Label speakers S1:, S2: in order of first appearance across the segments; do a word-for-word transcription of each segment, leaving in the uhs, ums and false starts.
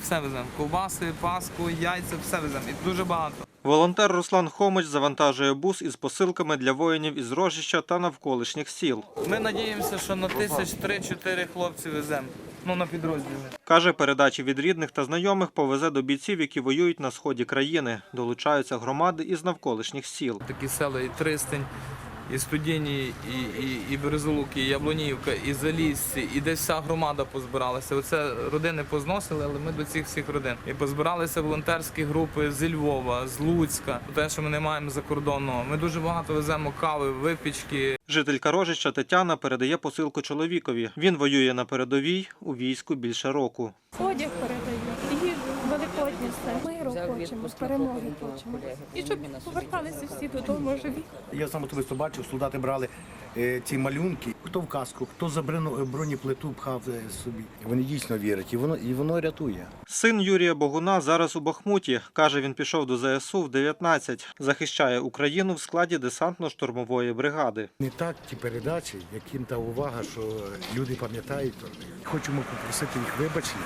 S1: все веземо. Ковбаси, паску, яйця, все веземо. І дуже багато.
S2: Волонтер Руслан Хомич завантажує бус із посилками для воїнів із Рожища та навколишніх сіл.
S1: Ми надіємося, що на тисяч три-чотири хлопці веземо. Ну, на підрозділи.
S2: Каже, передачі від рідних та знайомих повезе до бійців, які воюють на сході країни. Долучаються громади із навколишніх сіл.
S1: Такі села і Тристень, і Студіні, і, і, і Березолуки, і Яблонівка, і Залісці, і десь вся громада позбиралася. Оце родини позносили, але ми до цих всіх родин. І позбиралися волонтерські групи з Львова, з Луцька, те, що ми не маємо закордонного. Ми дуже багато веземо кави, випічки.
S2: Жителька Рожища Тетяна передає посилку чоловікові. Він воює на передовій у війську більше року.
S3: Одяг передаю, і великодні все. Миру хочемо, перемоги хочемо. І щоб поверталися всі додому живі.
S4: Я сам особисто бачив, солдати брали е, ці малюнки, хто в каску, хто за бронеплиту пхав е, собі. Вони дійсно вірять, і воно, і воно рятує.
S2: Син Юрія Богуна зараз у Бахмуті. Каже, він пішов до зе ес у в дев'ятнадцять. Захищає Україну в складі десантно-штурмової бригади.
S4: Не так ті передачі, яким та увага, що люди пам'ятають. Хочемо попросити їх вибачення,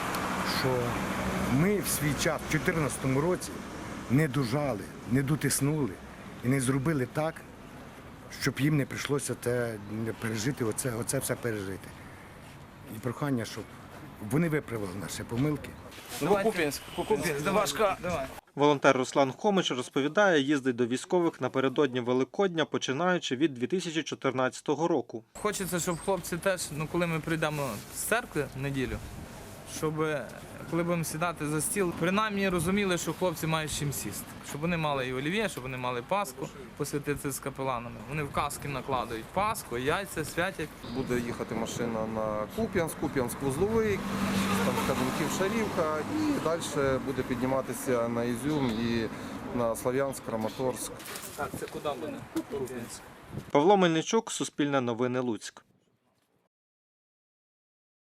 S4: що ми в свій час, в чотирнадцятому році, не дожали, не дотиснули і не зробили так, щоб їм не прийшлося те не пережити, оце, оце все пережити. І прохання, щоб вони виправили наші помилки.
S1: Куп'янськ, Куп'янськ, Давашка, давай.
S2: Волонтер Руслан Хомич розповідає, їздить до військових напередодні Великодня, починаючи від дві тисячі чотирнадцятого року.
S1: Хочеться, щоб хлопці теж, ну коли ми прийдемо з церкви в неділю, щоб коли будемо сідати за стіл, принаймні розуміли, що хлопці мають чим сісти. Щоб вони мали і олів'є, щоб вони мали паску, посвятити з капеланами. Вони в каски накладають паску, яйця, святять.
S5: Буде їхати машина на Куп'янськ, Куп'янськ-Вузловий, там Каденків, Шарівка, і далі буде підніматися на Ізюм і на Слов'янськ, Краматорськ.
S1: Так, це куди буде? Куп'янськ.
S2: Павло Мельничук, Суспільне новини, Луцьк.